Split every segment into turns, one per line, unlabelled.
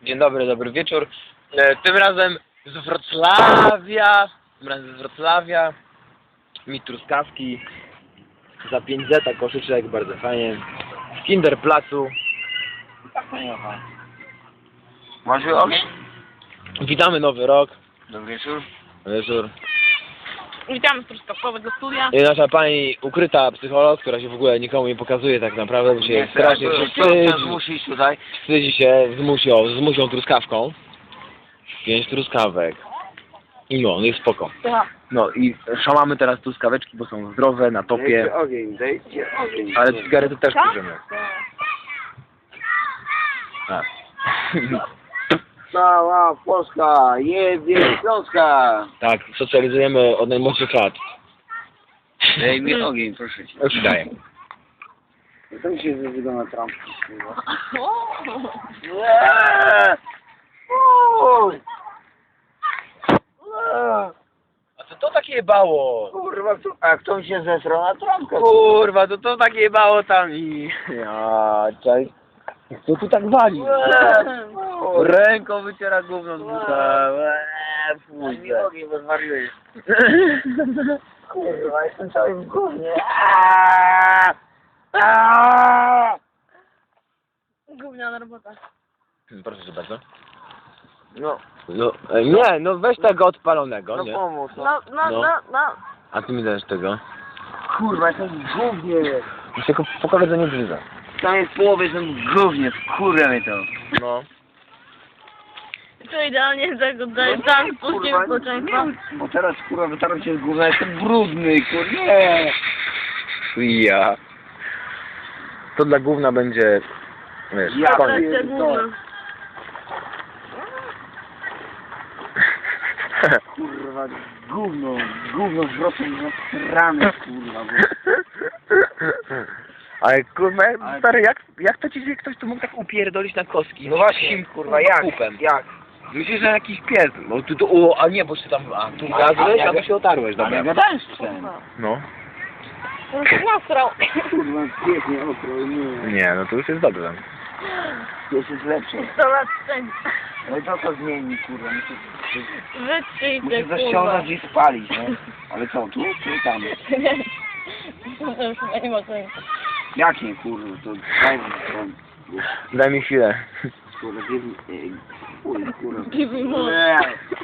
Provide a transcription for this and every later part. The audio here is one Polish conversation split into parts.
Dzień dobry, dobry wieczór. Tym razem z Wrocławia. Mi truskawki. Za 5 zeta koszyczek, bardzo fajnie. W Kinderplacu.
Masz ogień?
Witamy nowy rok.
Dobry wieczór.
Wieczór.
Witamy z truskawkowego studia.
I nasza pani ukryta psycholog, która się w ogóle nikomu nie pokazuje tak naprawdę, bo się strasznie
Musisz tutaj.
wstydzi się z musią truskawką. 5 truskawek. I no, jest spoko. No i szamamy teraz truskaweczki, bo są zdrowe, na topie.
Dajcie ogień, dajcie ogień.
Ale cygarety też bierzemy. A.
Cała Polska, jebie Śląska.
Tak, socjalizujemy od najmłodszych lat.
Daj mi ogień, proszę cię.
Już ci daję.
To mi się wygląda trampki.
A co to takie jebało?
Kurwa, a kto mi się zesrał na trampkę?
Kurwa, to takie jebało tam i... Ja, czaj. Co tu tak wali? Ręką wyciera gówno z buta.
Daj mi ogień, bo zwariujesz. Kurwa, jestem cały w gównie.
Gówniana robota.
Proszę cię bardzo.
No,
No, nie, no weź tego odpalonego,
no
nie?
pomóż.
No.
A ty mi dajesz tego.
Kurwa, jestem w gównie.
Już jako po koledze nie brzydza.
Tam jest połowy, jestem w gównie, kurwa mnie to.
No.
To idealnie tego daje dan polskiego społeczeństwa.
Bo teraz kurwa wytarłem się z gówna, jestem brudny, kurwa, nie.
Ja. To dla gówna będzie... Wiesz,
Ja
koniec.
Atrakcja główna.
Kurwa, gówno wrocą na rany, kurwa.
Ale kurwa, stary, jak to ci się ktoś tu mógł tak upierdolić na kostki?
No właśnie, kurwa, jak?
Kupem.
Jak?
Myślisz, że jakiś pies. No tu, a nie, bo ty tam, tu gazłeś, a tu się otarłeś,
Ale
dobra.
gadałem z psem.
No.
On się nasrał.
Kurwa, pięknie, okro, nie.
Nie, no to już jest dobrze.
Pies jest lepszy.
100 lat wstęp.
No i to zmieni, kurwa.
Wytrzyjcie,
Muszę
kurwa.
zaściągnąć i spalić, nie? Ale co, tu czy tam?
To już chyba nie ma sensu.
Jak nie, kurwa, to daj mi to.
Daj mi chwilę.
Kurwa, kurwa.
Give me more.
Nie.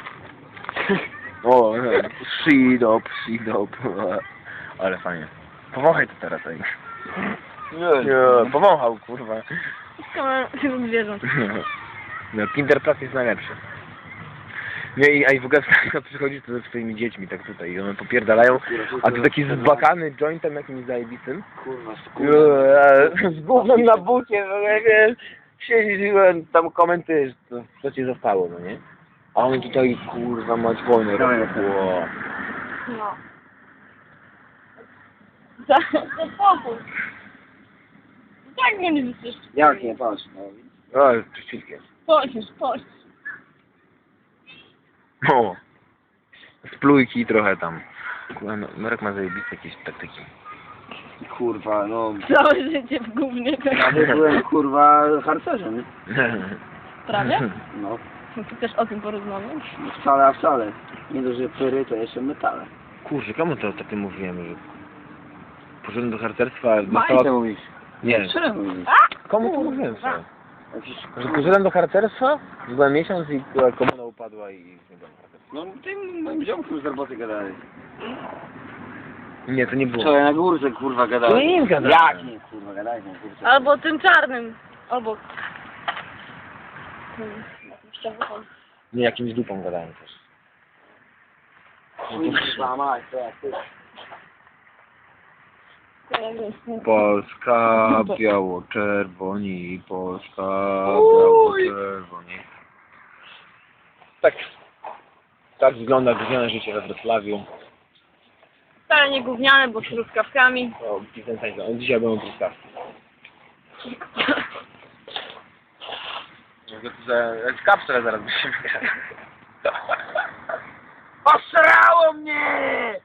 O, shidop. Ale fajnie. Powąchaj to teraz, ej. Nie, powąchał, kurwa.
Skoro zwierząt.
No, Kinderplatz jest najlepszy. Nie, i w ogóle przychodzi to ze swoimi dziećmi, tak tutaj, i one popierdalają, a tu taki zbakany jointem jakimś zajebistym.
Kurwa,
Z gównem na bucie, no nie wiesz, siedzisz i tam komentujesz, co ci zostało, no nie? A on tutaj, kurwa, mać wojnę robią. Wow.
No. Za spokój. Tak go nie wyczyszczy.
Jak nie, patrz, no.
O, czyściutkie.
Chodź.
O, splójki trochę tam. Kurwa, no, Marek ma zajebiste jakieś taktyki.
Kurwa, no.
Całe życie w gównie.
Ja byłem, kurwa, harcerzem.
Prawie?
No,
No to też o tym porozmawiam.
wcale, a wcale. Nie dość, że pyry, to jeszcze metale.
Kurczę, komu to ostatnio mówiłem, że poszedłem do harcerstwa,
Majce
dostała...
mówisz.
Nie,
Czemu mówisz?
komu to mówiłem, co?
Jakiś,
Że poszedłem do harcerstwa, byłem miesiąc i komuna upadła i nie byłem harcerstwa.
no, tym moim ziomkiem z roboty gadali.
Nie, to nie było.
Wczoraj na górce, kurwa, gadali.
To nie im gadali.
Jak nie, kurwa, gadali na górce.
Albo tym czarnym. Albo...
Nie, jakimś dupą gadałem też.
Kurwa, mać, to jak ty.
Polska, biało-czerwoni, Polska, biało-czerwoni. Tak wygląda gówniane życie we Wrocławiu.
Wcale nie gówniane, bo z truskawkami.
O, dzisiaj będą truskawki. Jak kapsle zaraz byśmy grali.
Osrało mnie!